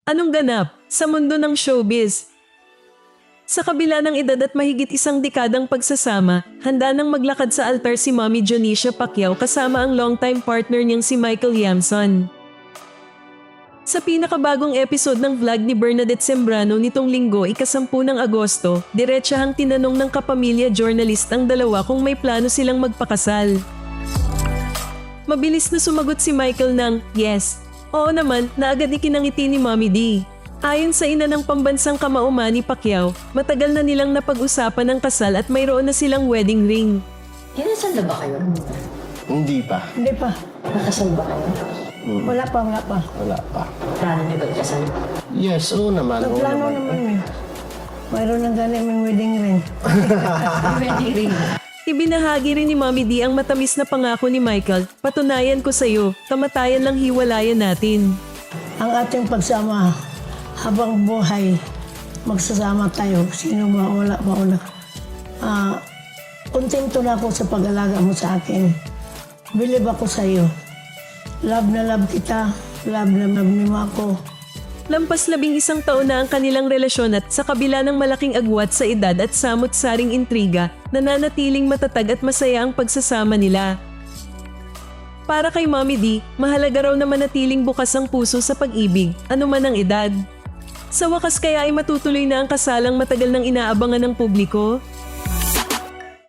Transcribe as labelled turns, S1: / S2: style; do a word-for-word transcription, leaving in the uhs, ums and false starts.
S1: Anong ganap sa mundo ng showbiz? Sa kabila ng edad at mahigit isang dekadang pagsasama, handa nang maglakad sa altar si Mommy Jonicia Pacquiao kasama ang longtime partner niyang si Michael Yamson. Sa pinakabagong episode ng vlog ni Bernadette Sembrano nitong linggo ikasampu ng Agosto, diretsahang tinanong ng kapamilya journalist ang dalawa kung may plano silang magpakasal. Mabilis na sumagot si Michael ng yes. Oo naman na agad ikinangiti ni Mommy D. Ayon sa ina ng pambansang kamauma ni Pacquiao, matagal na nilang napag-usapan ng kasal at mayroon na silang wedding ring.
S2: Kinasal na ba kayo?
S3: Hindi pa.
S4: Hindi pa.
S2: Nakasal ba kayo?
S3: Mm,
S4: Wala pa, wala pa.
S3: wala pa.
S2: Plano niyo ba ikasal?
S3: Yes, oo naman. Oo
S4: Nagplano
S3: naman.
S4: naman eh. Mayroon ng ganit may wedding ring.
S2: Wedding ring.
S1: Ibinahagi rin ni Mommy D ang matamis na pangako ni Michael, patunayan ko sa'yo, kamatayan lang hiwalayan natin.
S4: Ang ating pagsama habang buhay, magsasama tayo. Sino mawala, mauna. Ah, kontento na ako sa pag-alaga mo sa akin. Believe ako sa iyo. Love na love kita. Love na love mo ako.
S1: Lampas labing isang taon na ang kanilang relasyon at sa kabila ng malaking agwat sa edad at samot-saring intriga, nananatiling matatag at masaya ang pagsasama nila. Para kay Mommy D, mahalaga raw na manatiling bukas ang puso sa pag-ibig, anuman ang edad. Sa wakas kaya ay matutuloy na ang kasalang matagal nang inaabangan ng publiko?